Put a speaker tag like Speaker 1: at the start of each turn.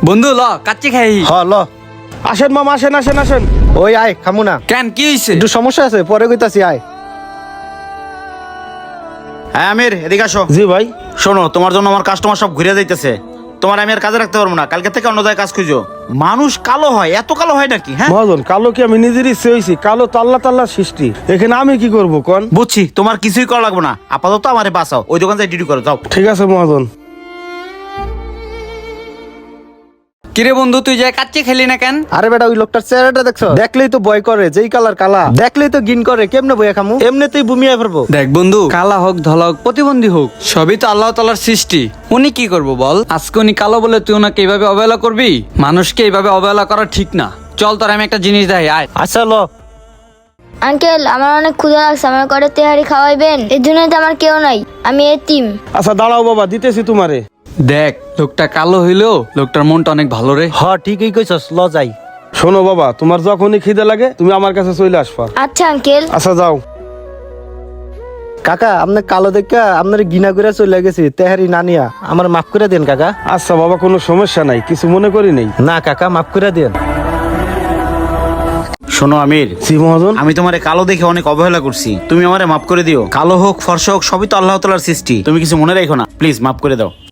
Speaker 1: বন্ধু ল কাচ্চি খাই।
Speaker 2: ল
Speaker 3: আসেন মামা, আসেন আসেন আসেন।
Speaker 2: ওই আয় খামু না,
Speaker 1: কেন কি হইছে?
Speaker 2: একটু সমস্যা আছে, পরে কইতাছি আয়।
Speaker 4: হ্যাঁ আমির, এদিকে আসো।
Speaker 3: জি ভাই।
Speaker 4: শোনো, তোমার জন্য আমার কাস্টমার সব ঘুরে যাইতেছে। তোমার আমি আর কাজে রাখতে পারবো না, কালকে থেকে অন্য জায়গায় কাজ খুঁজো। মানুষ কালো হয়, এত কালো হয় নাকি? হ্যাঁ
Speaker 3: মহাজন, কালো কি আমি নিজের ইচ্ছে হয়েছি? কালো তো আল্লাহ তাল্লাহ সৃষ্টি, এখানে আমি কি করবো কোন?
Speaker 4: বুঝছি, তোমার কিছুই করা লাগবে না, আপাতত আমারে বাঁচাও। ওই দোকান থেকে ডিউটি করো, যাও।
Speaker 3: ঠিক আছে মহাজন।
Speaker 1: কিরে বন্ধু, তুই যে কাচ্চি খেলি না কেন?
Speaker 2: আরে বেটা, ওই লোকটার চেহারাটা দেখছো? দেখলেই তো ভয় করে, যেই কালার কালা, দেখলেই তো ঘিন করে। কেমনে বইয়া খামু? এমনিতেই বুমিয়ে ফেলবো।
Speaker 1: দেখ বন্ধু, কালা হোক ধলা হোক প্রতিবন্ধী হোক, সবই তো আল্লাহ তাআলার সৃষ্টি। উনি কি করবো বল? আজকে উনি কালো বলে তুই ওনাকে এইভাবে অবহেলা করবি? মানুষকে এইভাবে অবহেলা করা ঠিক না। চল তোর আমি একটা জিনিস দেখাই, আয়।
Speaker 2: আচ্ছা ল।
Speaker 5: আঙ্কেল, আমার অনেক ক্ষুধা লাগছে, আমার করে তেহারি খাওয়াইবেন? এর জন্য তো আমার কেউ নাই, আমি এতিম।
Speaker 3: আচ্ছা দাঁড়াও বাবা, দিতেছি তোমারে।
Speaker 1: দেখ, লোকটা কালো হইলেও লোকটার মনটা অনেক ভালো রে।
Speaker 2: ঠিকই কইছস, ল যাই।
Speaker 3: শোনো বাবা, তোমার যখনই খিদে লাগে তুমি আমার কাছে চলে আসবা।
Speaker 5: আচ্ছা আঙ্কেল।
Speaker 3: আচ্ছা যাও।
Speaker 2: কাকা, আপনি কালো দেখা আপনার গিনা করে চলে গেছি, তেহারি না নিয়া আমার মাফ করে দেন কাকা।
Speaker 3: আচ্ছা বাবা, কোনো সমস্যা নাই, কিছু মনে করি নেই।
Speaker 2: না কাকা, মাফ করে দেন।
Speaker 4: শোনো আমির,
Speaker 3: জি মহাজন।
Speaker 4: আমি তোমারে কালো দেখে অনেক অবহেলা করছি, তুমি আমারে মাফ করে দিও। কালো হোক ফর্সা হোক, সবই তো আল্লাহ তাআলার সৃষ্টি। তুমি কিছু মনে রাখো না, প্লিজ মাফ করে দাও।